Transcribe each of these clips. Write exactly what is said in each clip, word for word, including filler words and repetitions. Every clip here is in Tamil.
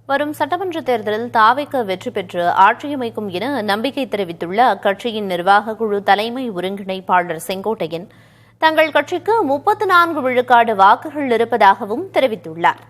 வரும் சட்டமன்ற தேர்தலில் தாவேக வெற்றி பெற்று ஆட்சியமைக்கும் என நம்பிக்கை தெரிவித்துள்ள அக்கட்சியின் நிர்வாக குழு தலைமை ஒருங்கிணைப்பாளர் செங்கோட்டையன் தங்கள் கட்சிக்கு முப்பத்து நான்கு விழுக்காடு வாக்குகள் இருப்பதாகவும் தெரிவித்துள்ளார்.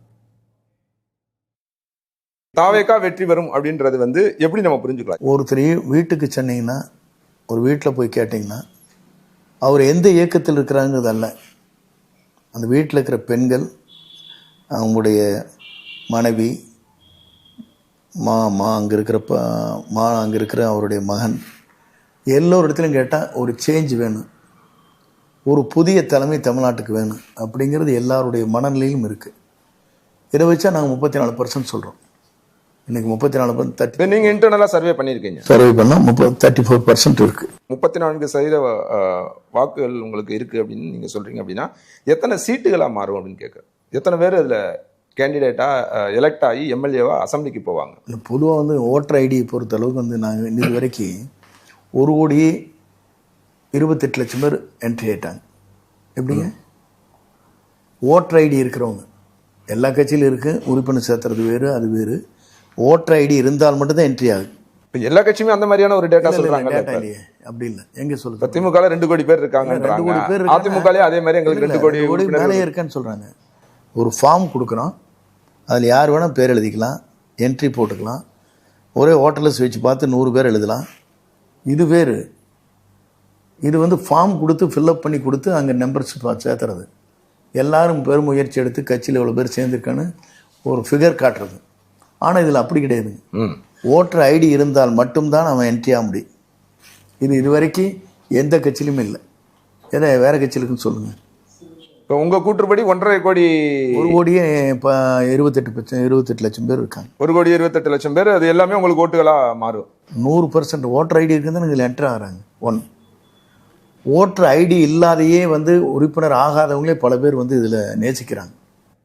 தாவேகா வெற்றி பெறும் அப்படின்றது வந்து எப்படி நம்ம புரிஞ்சுக்கலாம்? ஒருத்தரையும் வீட்டுக்கு சென்னீங்கன்னா, ஒரு வீட்டில் போய் கேட்டிங்கன்னா, அவர் எந்த இயக்கத்தில் இருக்கிறாங்கிறது அல்ல, அந்த வீட்டில் இருக்கிற பெண்கள், அவங்களுடைய மனைவி, மா மா அங்கே இருக்கிற ப மா அங்கே இருக்கிற அவருடைய மகன், எல்லோரு இடத்துலையும் கேட்டால் ஒரு சேஞ்ச் வேணும், ஒரு புதிய தலைமை தமிழ்நாட்டுக்கு வேணும் அப்படிங்கிறது எல்லாருடைய மனநிலையிலும் இருக்குது. இதை வச்சா நாங்கள் முப்பத்தி நாலு பர்சன்ட் சொல்கிறோம். இன்னைக்கு முப்பத்தி நாலு தேர்ட்டி நீங்க இன்டர்னலா சர்வே பண்ணிருக்கீங்க. சர்வே பண்ணா முப்பது தேர்ட்டி ஃபோர் பர்சன்ட் இருக்கு. முப்பத்தி நான்கு சதவீத வாக்குகள் உங்களுக்கு இருக்கு அப்படின்னு நீங்க சொல்றீங்க அப்படின்னா எத்தனை சீட்டுகளா மாறும் அப்படின்னு கேட்க, எத்தனை பேர் அதுல கேண்டிடேட்டா எலெக்ட் ஆகி எம்எல்ஏவா அசம்பிளிக்கு போவாங்க? பொதுவாக வந்து ஓட்டர் ஐடியை பொறுத்த அளவுக்கு வந்து நாங்கள் இன்னது வரைக்கும் ஒரு கோடியே இருபத்தெட்டு லட்சம் பேர் என்ட்ரி ஆயிட்டாங்க. எப்படிங்க? ஓட்டர் ஐடி இருக்கிறவங்க எல்லா கட்சியிலும் இருக்கு, உறுப்பினர் சேர்த்துறது வேறு, அது வேறு. ஓட்டர் ஐடி இருந்தால் மட்டும்தான் என்ட்ரி ஆகுது. எல்லா கட்சியுமே அந்த மாதிரியான ஒரு டேட்டா சொல்றாங்க. டேட்டா இல்லையே, அப்படி இல்லை. எங்க சொல்லுங்க, திமுக ரெண்டு கோடி பேர் இருக்காங்க, அதிமுக அதே மாதிரி எங்களுக்கு ரெண்டு கோடி மேலே இருக்கான்னு சொல்றாங்க. ஒரு ஃபார்ம் கொடுக்குறோம், அதில் யார் வேணால் பேர் எழுதிக்கலாம், என்ட்ரி போட்டுக்கலாம், ஒரே ஓட்டர்லெஸ் வச்சு பார்த்து நூறு பேர் எழுதலாம். இது வேறு. இது வந்து ஃபார்ம் கொடுத்து ஃபில்அப் பண்ணி கொடுத்து அங்கே நம்பர்ஸ் சேர்த்துறது, எல்லாரும் பெரும் முயற்சி எடுத்து கட்சியில் எவ்வளோ பேர் சேர்ந்துருக்கான்னு ஒரு ஃபிகர் காட்டுறது. ஆனால் இதில் அப்படி கிடையாதுங்க. ஓட்டர் ஐடி இருந்தால் மட்டும்தான் அவன் என்ட்ரி ஆக முடியும். இது இதுவரைக்கும் எந்த கட்சியிலுமே இல்லை. ஏதோ வேற கட்சியிலுக்குன்னு சொல்லுங்கள். இப்போ உங்கள் கூற்றுப்படி ஒன்றரை கோடி ஒரு கோடியே இப்போ இருபத்தெட்டு லட்சம் இருபத்தெட்டு லட்சம் பேர் இருக்காங்க. ஒரு கோடி இருபத்தெட்டு லட்சம் பேர், அது எல்லாமே உங்களுக்கு ஓட்டுகளாக மாறும். நூறு பர்சன்ட் ஓட்டர் ஐடி இருக்குதுன்னு இதில் என்ட்ரு ஆகிறாங்க. ஒன் ஓட்டர் ஐடி இல்லாதையே வந்து உறுப்பினர் ஆகாதவங்களே பல பேர் வந்து இதில் நேசிக்கிறாங்க.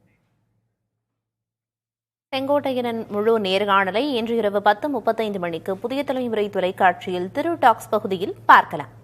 செங்கோட்டையனின் முழு நேர்காணலை இன்று இரவு பத்து முப்பத்தைந்து மணிக்கு புதிய தலைமுறை தொலைக்காட்சியில் திரு டாக்ஸ் பகுதியில் பார்க்கலாம்.